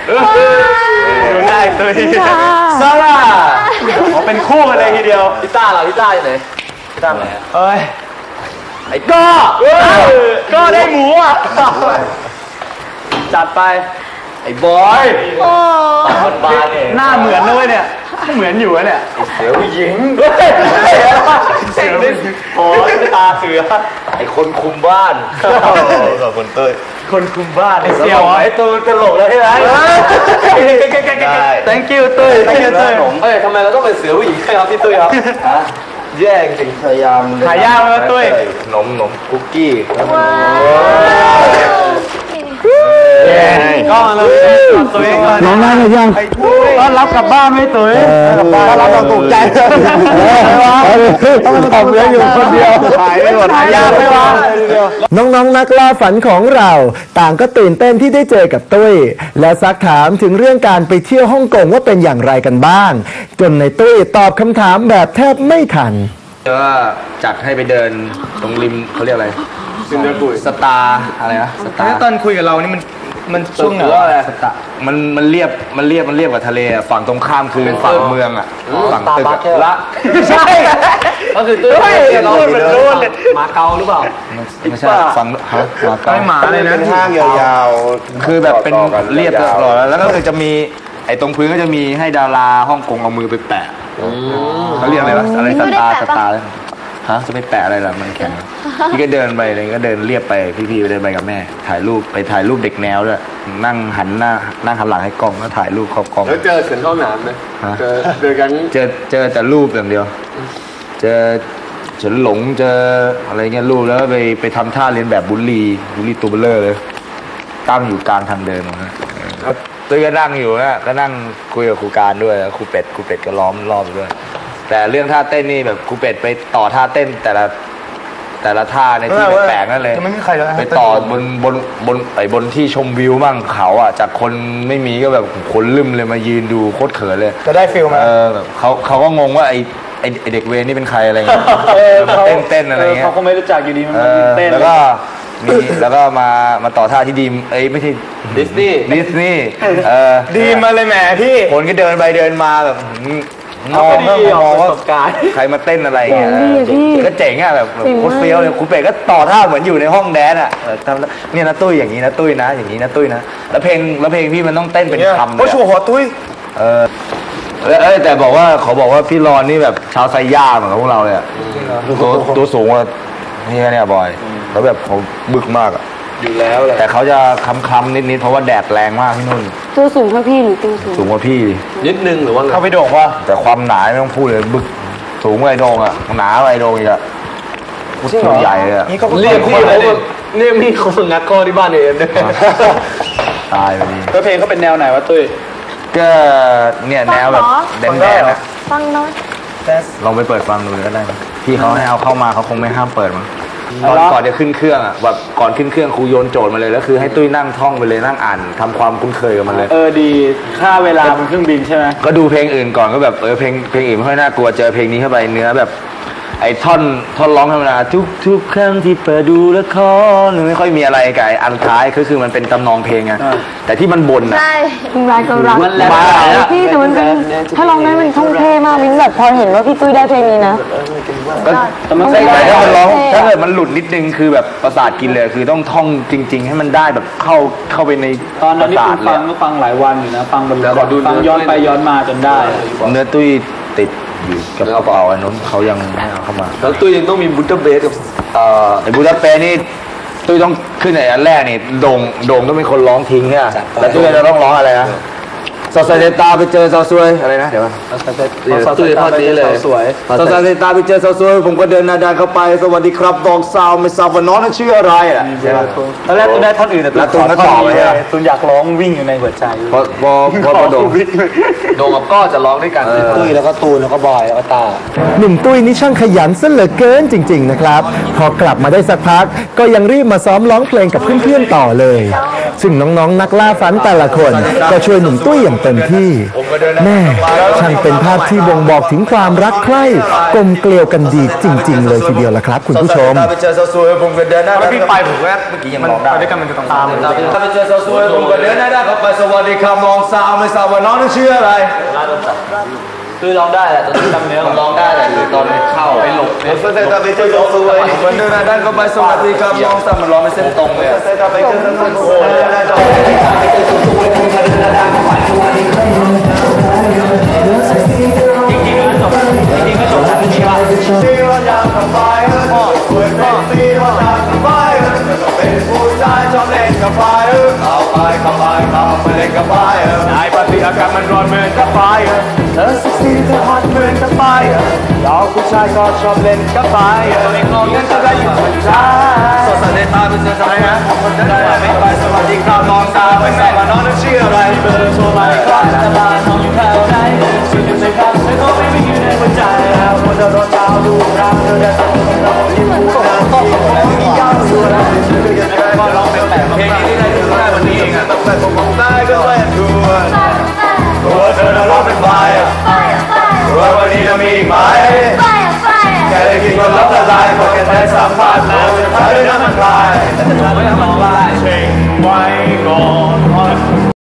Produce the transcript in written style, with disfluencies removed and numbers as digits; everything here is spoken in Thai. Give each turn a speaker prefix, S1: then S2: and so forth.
S1: ดูได้ตัวนี้ซาร่าเป็นคู่กันเลยทีเดียวพี่ต้าเหรอพี่ต้าอยู่ไหนพี่ต้าไหนเอ้ยไอ้ก็ได้หมูอ่ะจัดไปไอ้บอยคนบ้าเนี่ยหน้าเหมือนด้วยเนี่ยเหมือนอยู่เนี่ยเสือผู้หญิงเสือโอ้ยตาเสือไอ้คนคุมบ้านกับคนเต้ยคนคุมบ้านไอ้เสี่ยวไอ้ตัวตลกแล้วใช่ไหม thank you เต้ย thank you เต้ยเอ้ยทำไมเราต้องเป็นเสือผู้หญิงครับพี่เต้ยครับแย่จริงพยายามหายากแล้วตุ้ยขนมคุกกี้ก็เราตัวเองน้องนั่งหรือยังต้อนรับกลับบ้านไหมตุ้ยกลับบ้านเราตกใจต้องทำเรื่องอยู่คนเดียวหายไปหมดหายากไหมวะ
S2: น้องๆนักล่าฝันของเราต่างก็ตื่นเต้นที่ได้เจอกับตุ้ยและซักถามถึงเรื่องการไปเที่ยวฮ่องกงว่าเป็นอย่างไรกันบ้างจนในตุ้ยตอบคำถามแบบแทบไม่ทัน
S3: ก็จัดให้ไปเดินตรงริมเขาเรียกอะไรสตาร์อะไรนะสตาร์
S1: ตอนคุยกับเรานี่มันช่วงไหนสตาร์
S3: มันเรียบกับทะเลฝั่งตรงข้ามคือฝั่งเมืองอ่ะฝั่งตึกละ
S1: ใช่ก็คือตึกเรามาเกาหรือเปล่า
S3: ไม่ใช่ฝั่งมาเกา
S1: หมาเลยนะ
S3: ห้างยาวๆคือแบบเป็นเรียบตลอดแล้วก็คือจะมีไอ้ตรงพื้นก็จะมีให้ดาราฮ่องกงเอามือไปแปะเขาเรียกอะไรวะอะไรสตาร์ฮะจะไปแปะอะไรล่ะมันแข็งพี่ก็เดินไปเลยก็เดินเรียบไปพี่ๆเดินไปกับแม่ถ่ายรูปเด็กแนวด้วยนั่งหันหลังให้กล้องแล้วถ่ายรูปครอบกล้อง
S1: แล้วเจอเฉินเข้าหนามไหมเจอกัน
S3: เจอแต่รูปอย่างเดียวเจอเฉินหลงเจออะไรเงี้ยรูปแล้วไปทำท่าเรียนแบบบุลลี่ตัวเบลเลอร์เลยตั้งอยู่กลางทางเดินนะตัวก็นั่งอยู่นะก็นั่งคุยกับครูการด้วยครูเป็ดก็ล้อมรอบด้วยแต่เรื่องท่าเต้นนี่แบบครูเป็ดไปต่อท่าเต้นแต่ละท่าในที่แปลกๆนั่นเลยไปต่อบนที่ชมวิวมั่งเขาอ่ะจากคนไม่มีก็แบบคนลืมเลยมายืนดูโคตรเขินเลย
S1: จะได้ฟิลไหม
S3: แบบเขาก็งงว่าไอเด็กเวรนี่เป็นใครอะไรเงี้ยเต้นอะไรเงี้ย
S1: เขาก็ไม่รู้จักอยู่ดีมันเต้น
S3: แล้วก็มาต่อท่าที่ดีมไม่ใช่ดิสนีย์
S1: ดีมาเลยแหมพี่
S3: คนก็เดินไปเดินมาแบบมองว่าใครมาเต้นอะไรเงี้ยก็เจ๋งอ่ะแบบโคตรเฟี้ยวเลยครูเป็ดก็ต่อท่าเหมือนอยู่ในห้องแดนอ่ะเนี่ยนะตุ้ยอย่างนี้นะตุ้ยนะอย่างนี้นะตุ้ยนะแล้วเพลงพี่มันต้องเต้นเป็นคำเลย
S1: โอ้โหหัวตุ้ย
S3: แต่เขาบอกว่าพี่รอนนี่แบบชาวไซย่าเหมือนกับพวกเราเลยตัวสูงกว่าเนี่ยบอยแล้วแบบเขาบึกมากอ่ะ
S1: อยู่แล้วแหละ
S3: แต่เขาจะคล้ำๆนิดเพราะว่าแดดแรงมากที่นู่น
S4: ตัวสูงกว่าพี่หรือตัวสูง
S3: กว่าพี่
S1: นิดนึงหรือว่า
S3: เขาไปโด่งว่าแต่ความหนาไม่ต้องพูดเลยบึกสูงกว่าไอ้โด่งอ่ะหนากว่าไอ้โด่งอีกอ่ะตัวใหญ่เลยอ่ะ
S1: เรียกพี่เขาฝึกงัดข้อที่บ้านเองด้วย
S3: ตายไปดี
S1: แล้วเพลงเขาเป็นแนวไหนวะตุ้ย
S3: ก็เนี่ยแนวแบบแดนนะ
S4: ฟังน้อย
S3: ลองไปเปิดฟังดูก็ได้พี่เขาให้เอาเข้ามาเขาคงไม่ห้ามเปิดมั้งก่อนจะขึ้นเครื่องอ่ะแบบก่อนขึ้นเครื่องครูโยนโจทย์มาเลยแล้วคือให้ตุ้ยนั่งท่องไปเลยนั่งอ่านทำความคุ้นเคยกับมันเลย
S1: ดีค่าเวลาบนเครื่องบินใช่ไหม
S3: ก็ดูเพลงอื่นก่อนก็แบบเพลงอื่นไม่ค่อยน่ากลัวเจอเพลงนี้เข้าไปเนื้อแบบไอ้ท่อนร้องธรรมดาทุกครั้งที่เปิดดูละครไม่ค่อยมีอะไรกับอันท้ายคือมันเป็นตำนองเพลงไงแต่ที่มันบ่นอ่ะ
S4: ใช่รายก็รักพี่แต่มันเป็นถ้าร้องได้มันท่องเท่มากมิ้นแบบพอเห็นว่าพี่ตุ้ยได้เพลงนี้นะ
S3: แต่มันถ้ามันร้องถ้าเกิดมันหลุดนิดนึงคือแบบประสาทกินเลยคือต้องท่องจริงๆให้มันได้แบบเข้าไปใน
S1: ตอนนั้นที่ฟังหลายวันอยู่นะฟังบนฟังย้อนไปย้อนมาจนได้
S3: เนื้อตุ้ยติดอยู่กับกระเป๋าอันนั้นเขายังไม่เอาเข้ามา
S1: แล้วตุ้ยยังต้องมีบูตเบสกับ
S3: ไอ้บูตเบสนี่ตุ้ยต้องขึ้นในอันแรกนี่โด่งต้องเป็นคนร้องทิ้งเนี่ยแต่ตุ้ยจะต้องร้องอะไรนะซาซาเซตาไปเจอซาซวยอะไรนะเดี๋ยว
S1: ตุ้ยทอดนี้เลย
S3: สวยซาซาเซตาไปเจอซาซวยผมก็เดินหน้าด้านเข้าไปสวัสดีครับดอกซาวไม่ทราบว่าน้องนั้นชื่ออะไรอ่ะ
S1: ตอนแรกตุ้ยได้ท่อนอื่นแต่
S3: ตุ้ยก็ตอบเลย
S1: ตุ้ยอยากร้องวิ่งอยู่ในหัวใจ
S3: พอโด่งกับก้อจะร้องด้วยกัน
S1: ตุ้ยแล้วก็ตูนแล้วก็บอยแล้วก็ตา
S2: หนุ่มตุ้ยนี่ช่างขยันซะเหลือเกินจริงๆนะครับพอกลับมาได้สักพักก็ยังรีบมาซ้อมร้องเพลงกับเพื่อนๆต่อเลยซึ่งน้องๆนักล่าฝันแต่ละคนก็ช่วยหนุ่มตุ้ยอย่างเต็มที่แม่ช่างเป็นภาพที่บ่งบอกถึงความรักใคร่กลมเกลียวกันดีจริงๆเลยทีเดียวละครับคุณผู้ชม
S3: ถ้าไปเจอสวยๆผมก็เดินหน้า
S1: ถ้าพี่ไปผมก็
S3: เมื่อกี้ยัง
S1: มัน
S3: ร้องได้
S1: ไปด้วยกันมันจะต้องตาม
S3: ถ้าไปเจอสวยๆผมก็เดินหน้าเข้าไปสวัสดีครับน้องสาวไม่ทราบว่าน้องนั้นชื่ออะไร
S1: คือร้องได้แหละตอนจำเนื้อร้องได้แหละคือตอนเข้าไปหลบเนี่ย
S3: ถ้าไปเจอสวยๆผมเดินหน้าเข้าไปสวัสดีครับน้องสาวมันร้องไม่เส้นตรงเลยถ้าไปเจอสวยๆเดินหน้าเข้าไป
S1: ไอ้ปฏิอากาศมันร้อนเหมือนกับไฟเธอเซ็กซี่เธอฮอตเหมือนกับไฟเราผู้ชายก็ชอบเล่นกับไฟไม่งงยังจะได้อยู่คนชายสดใสในตาเป็นเสื้ออะไรนะคนนั้นไม่ไปสวัสดีครับน้องสาวไม่ทราบว่าน้องนั้นชื่ออะไรเบอร์โทรมาอีกครั้งจะมาน้องอยู่แถวไหนชื่ออยู่ในคำแต่ก็ไม่อยู่ในหัวใจแล้วคนเดินรถเช้าดูรักเธอได้ตัดสินเราอยู่คู่กันต้องมียาวสุดแล้วก็ร้องเป็นแบบเพลงนี้ได้ถึงได้วันนี้เองอะต้องแต่ผมบอกได้ก็ไม่ถูกตัวเธอน่ะร้องเป็นไฟว่าวันนี้จะมีอีกไหมแค่ได้กินก็รับละลายพอแค่ได้สัมผัสแล้วจะทำให้น้ำมันลายแต่จะทำให้น้ำมันลายเช็งไว้ก่อน